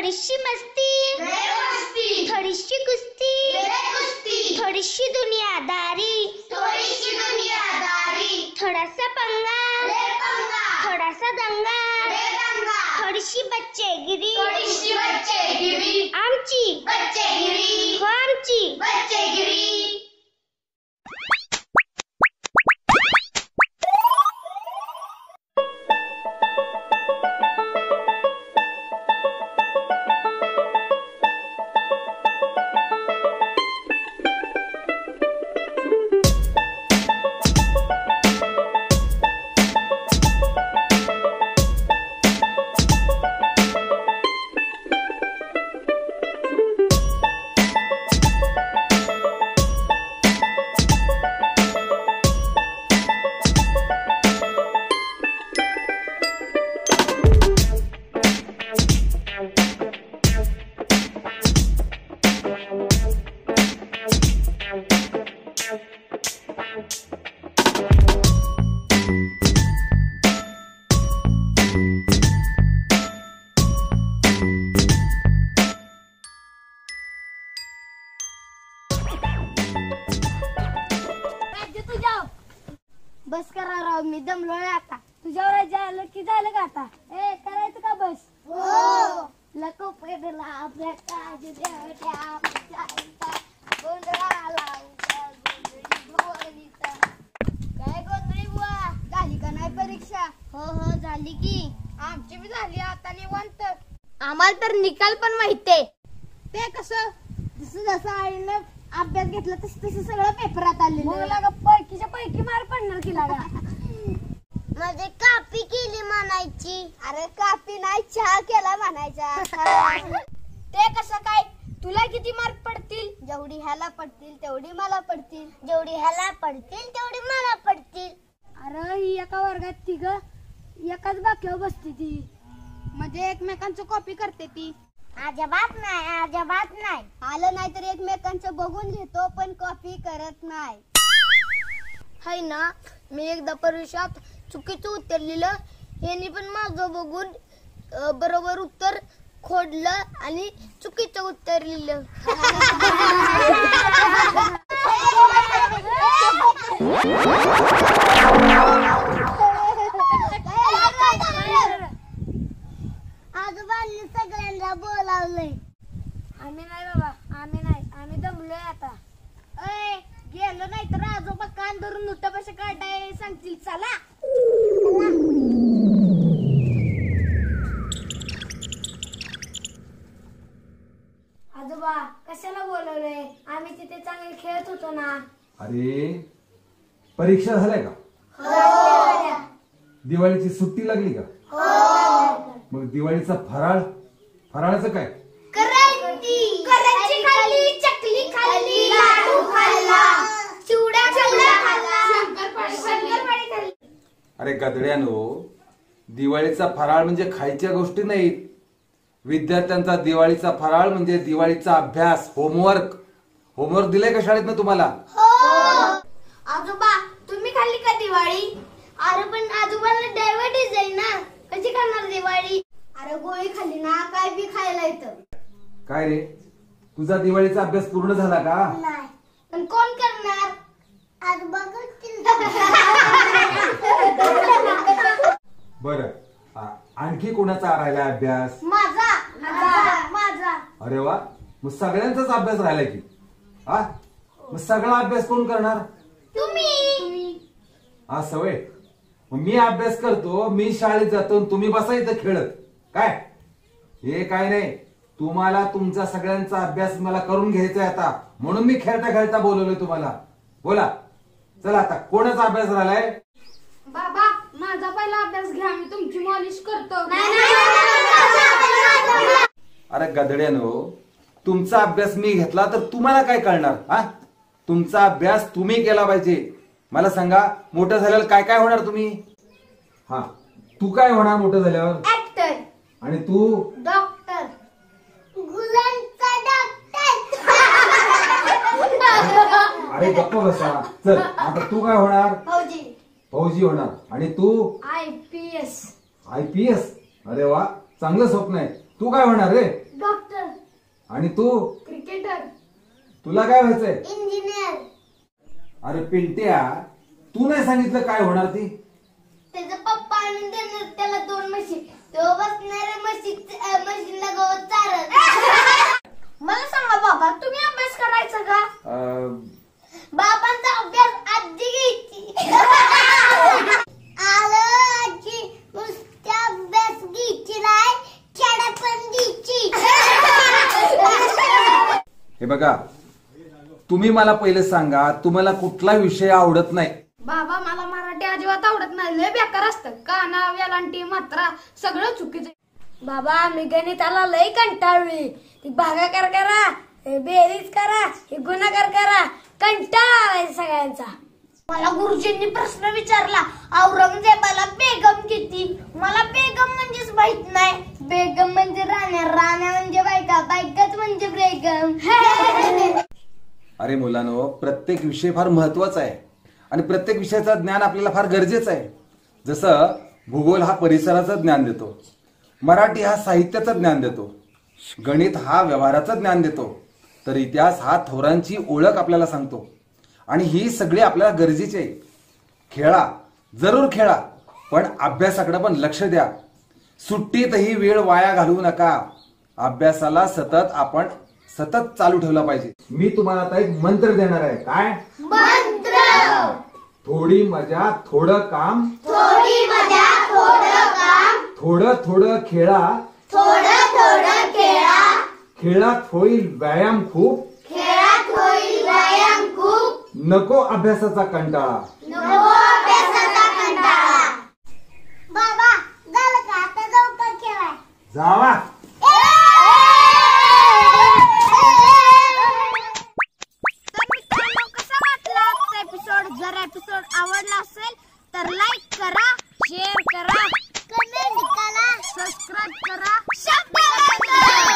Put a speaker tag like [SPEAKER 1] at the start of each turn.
[SPEAKER 1] थोडीशी मस्ती, थोडीशी कुस्ती, थोडीशी दुनियादारी, थोडासा पंगा, थोडासा दंगा, थोडीशी बच्चेगिरी, आमची हो आमची
[SPEAKER 2] बस करा राव, मी दमलोय आता. तुझ्यावर झालं की झालं का आता? करायचं का बस? हो. लको पेडला आपल्या काज देवट्या काय गोंधळी बुवा, झाली का नाही परीक्षा? हो झाली की. आमची बी झाली आता निवांत. आम्हाला तर निकाल पण माहितीये. ते कसं? जसं आईनं अभ्यास घेतला तसं सगळं पेपरात आलेलं. पैकीच्या पैकी मार्क पडणार की लागा. म्हणजे कापी केली म्हणायची. अरे कापी नाही, चहा केला म्हणायचा. ते कसं काय? तुला किती मार्क पडतील? जेवढी ह्याला पडतील तेवढी मला पडतील, जेवढी ह्याला पडतील तेवढी मला पडतील. अरे ही एका वर्गात तिघ एकाच बाक्यावर बसते ती, म्हणजे एकमेकांचं कॉपी करते ती. अजिबात नाही. आलं नाही तर एकमेकांचं बघून घेतो, पण कॉपी करत नाही. हाय ना, मी एकदा परीक्षेत चुकीचं उत्तर लिहिलं. यांनी पण माझं बघून बरोबर उत्तर खोडलं आणि चुकीचं उत्तर लिहिलं. आजोबांनी सगळ्यांना बोलावलंय. आम्ही नाही बाबा, आम्ही दमलोय आता. गेलो नाही तर आजोबा कान धरून नुट्ट काढाय सांगतील. चला आजोबा, कशाला बोलवलंय? आम्ही तिथे चांगले खेळत होतो ना.
[SPEAKER 3] अरे परीक्षा झाल्या का? दिवाळीची सुट्टी लागली का? मग दिवाळीचा फराळाचं काय?
[SPEAKER 2] करंजी खाल्ली, चकली खाल्ली, लाडू खाल्ला, चिवडा खाल्ला, शंकरपाळी खाल्ली.
[SPEAKER 3] अरे गधड्यानो, दिवाळीचा फराळ म्हणजे खायच्या गोष्टी नाहीत. विद्यार्थ्यांचा दिवाळीचा फराळ म्हणजे दिवाळीचा अभ्यास, होमवर्क दिलाय का शाळेत ना तुम्हाला?
[SPEAKER 2] आजोबा, तुम्ही खाल्ली का दिवाळी? अरे पण आजोबाला डायबिटीज आहे ना, कशी खाणार दिवाळी? अरे गोळी खाल्ली ना, काय बी खायला येतं.
[SPEAKER 3] काय रे, तुझा दिवाळीचा अभ्यास पूर्ण झाला का?
[SPEAKER 2] नाही. पण कोण करणार? आजोबा करतील.
[SPEAKER 3] बरं, आणखी कोणाचा राहिला अभ्यास?
[SPEAKER 2] माझा.
[SPEAKER 3] अरे वा, मग सगळ्यांचाच अभ्यास राहिला की. मग सगळा अभ्यास कोण करणार?
[SPEAKER 2] तुम्ही.
[SPEAKER 3] हा सवय. मग मी अभ्यास करतो, मी शाळेत जातो, तुम्ही बसायचं खेळत. काय हे काय नाही, तुम्हाला तुमचा सगळ्यांचा अभ्यास मला करून घ्यायचा आहे आता, म्हणून मी खेळता खेळता बोलवलोय तुम्हाला. बोला, चला आता कोणाचा अभ्यास राहिलाय?
[SPEAKER 2] बाबा, माझा पहिला अभ्यास घ्या, मी तुमची मॉलिश करतो.
[SPEAKER 3] अरे गधड्यानो, तुमचा अभ्यास मी घेतला तर तुम्हाला काय कळणार? तुमचा अभ्यास तुम्ही केला पाहिजे. मला सांगा, मोठं झाल्यावर काय काय होणार तुम्ही? तू काय होणार मोठं झाल्यावर?
[SPEAKER 2] ऍक्टर.
[SPEAKER 3] आणि तू?
[SPEAKER 2] डॉक्टर. गुलांचा डॉक्टर.
[SPEAKER 3] अरे गप्प बसा. चल, आता तू काय होणार? फौजी होणार. आणि तू?
[SPEAKER 2] IPS.
[SPEAKER 3] IPS? अरे वा, चांगलं स्वप्न आहे. तू काय होणार रे? आणि तू?
[SPEAKER 2] क्रिकेटर.
[SPEAKER 3] तुला काय व्हायचंय?
[SPEAKER 1] इंजिनियर.
[SPEAKER 3] अरे पिंट्या, तू नाही सांगितलं काय होणार ती?
[SPEAKER 1] त्याचा पप्पा आणून देणार त्याला 2 म्हशी. तो बसणाऱ्या म्हशीला गवत चारत.
[SPEAKER 2] मला सांगा बाबा, तुम्ही अभ्यास करायचा का?
[SPEAKER 1] बाबांचा अभ्यास आजी घ्यायची. आलं आजी, नुसत्या अभ्यास घ्यायची नाही, खेळा पण घ्यायची.
[SPEAKER 3] हे बघा, तुम्ही मला पहिले सांगा, तुम्हाला कुठला विषय आवडत नाही?
[SPEAKER 2] बाबा, मला मराठी अजिबात आवडत नाही. लय बेकार असतं. काना, वेलांटी, मात्रा सगळं चुकीचं. बाबा, मी गणिताला लय कंटाळली. ती भागाकार करा, बेरीज करा, हे गुणाकार करा, कंटाळा आलाय सगळ्यांचा.
[SPEAKER 1] मला गुरुजींनी प्रश्न विचारला, औरंगजेबाला बेगम किती? मला बेगम म्हणजेच माहित नाही. बेगम म्हणजे राण्या, राण्या म्हणजे बायका, बायकाच म्हणजे बेगम.
[SPEAKER 3] अरे मुलांनो, प्रत्येक विषय फार महत्वाचा आहे आणि प्रत्येक विषयाचं ज्ञान आपल्याला फार गरजेचं आहे. जसं भूगोल हा परिसराचं ज्ञान देतो, मराठी हा साहित्याचं ज्ञान देतो, गणित हा व्यवहाराचं ज्ञान देतो, तर इतिहास हा थोरांची ओळख आपल्याला सांगतो. आणि ही सगळी आपल्याला गरजेची आहे. खेळा, जरूर खेळा, पण अभ्यासाकडे पण लक्ष द्या. सुट्टीतही वेळ वाया घालवू नका. अभ्यासाला आपण सतत चालू ठेवला पाहिजे. मी तुम्हाला आता एक मंत्र देणार आहे. काय
[SPEAKER 1] मंत्र?
[SPEAKER 3] थोडी मजा थोडं काम,
[SPEAKER 1] थोडी मजा थोडं काम,
[SPEAKER 3] थोडं थोडं खेळा,
[SPEAKER 1] थोडं थोडं खेळा,
[SPEAKER 3] खेळात होईल व्यायाम खूप,
[SPEAKER 1] खेळात होईल व्यायाम खूप,
[SPEAKER 3] नको अभ्यासाचा कंटाळा.
[SPEAKER 1] नको अभ्यासाचा कंटाळा. बाबा, झालं का? आता जाऊ का खेळाय?
[SPEAKER 3] जावा.
[SPEAKER 2] जर एपिसोड आवडला असेल तर लाईक करा, शेअर करा,
[SPEAKER 1] कमेंट करा,
[SPEAKER 2] सबस्क्राईब करा.